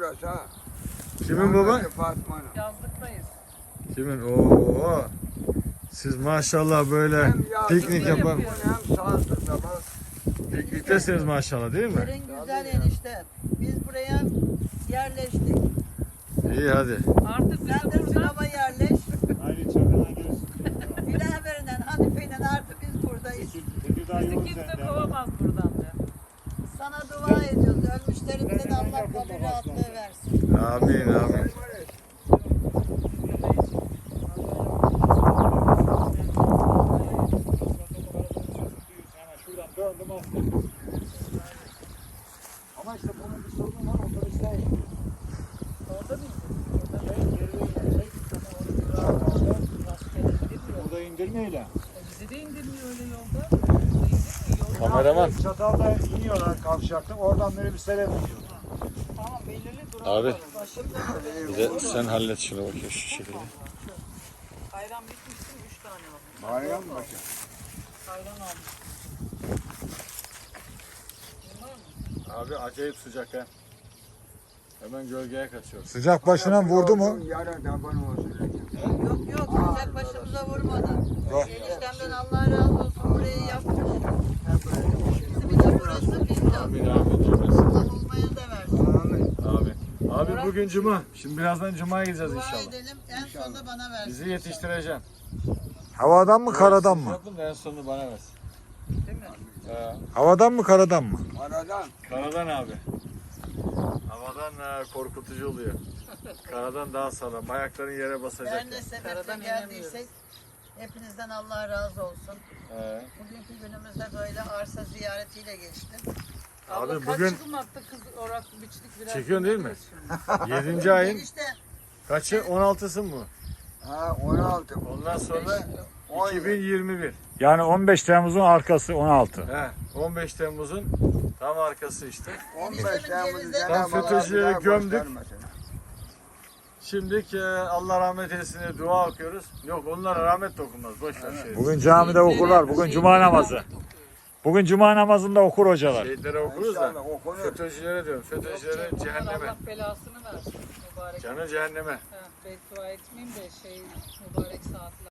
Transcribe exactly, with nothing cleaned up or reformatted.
burası ha. Kimin baba? Fatma'nın. Yazlıktayız. Kimin? Oo. Siz maşallah böyle Hem yazlıkta piknik yapan. yapıyor, hem sağlıkta bak. Pikniktesiniz maşallah değil mi? Yerin güzel enişte. Biz buraya yerleştik. İyi hadi. Artık sen de sınava yerleş. Aynı çadıra gelirsin. Bilaver'den, Hanife'yle artık biz buradayız. Bizi kimse kovamaz buradan da. Sana dua ediyoruz. Ölmüşlerimize de Allah kabir rahatlığı versin. Amin amin. Şuradan döndüm attım. Ama işte bunun bir sorunu var. Otobüsler Orada mı? burada indirmeyle. Bizi de indirmiyor öyle yolda. Bizi indirmiyor yolda. Kameraman. Çatalda iniyorlar kavşakta. Oradan böyle bir selam veriyor. Tamam belirli durum. Abi. Başım dönüyor. Bir de sen hallet şunu bakayım şu şekilde. Ayran bitmişti mi? Üç tane var. Bayram mı başa? Ayran almış. Abi acayip sıcak ha. Hemen gölgeye kaçıyoruz. Sıcak başına vurdu mu? Yara taban olsun. Yok yok sıcak başımıza vurmadı. Eniştemden Allah razı olsun burayı yapmış. Bizim de burası bizim. Amin amin cümlesi. Allah olmaya da versin. Amin. Abi. Abi bugün cuma. Şimdi birazdan cumaya gideceğiz Dua inşallah. edelim en sonunda bana versin. Bizi yetiştireceğim. Havadan mı karadan Siz mı? yapın da en sonunu bana versin. Değil mi? He. Havadan mı karadan mı? Aradan. Karadan abi. Havadan e, korkutucu oluyor. Karadan daha sağlam. Ayakların yere basacak. Her ne sebeple geldiysek hepinizden Allah razı olsun. He. Bugünkü günümüzde böyle arsa ziyaretiyle geçti. Abi Abla bugün- kaç yılmaktı kız orak biçtik biraz. Çekiyorsun değil mi? şimdi. Yedinci ayın İşte kaçı? on altısı mı? Ha on altı. Ondan sonra on iki bin yirmi bir. Yani on beş Temmuz'un arkası on altı. He. on beş Temmuz'un tam arkası işte. on beş Eniştemin Temmuz'u cevizleri- Cenab-ı Allah FETÖ'cüleri bir daha gömdük. göstermesin. Şimdi e, Allah rahmet eylesin diye dua okuyoruz. Yok onlara rahmet de okunmaz. Boş ver şey. Bugün camide okurlar. Bugün cuma namazı. Bugün cuma namazında okur hocalar. Şehitlere okuruz da. İnşallah okunur. FETÖ'cülere diyorum. FETÖ'cülere cehenneme. Allah belasını versin mübarek. Canı cehenneme. Ha, beddua etmeyeyim de şey mübarek saatler.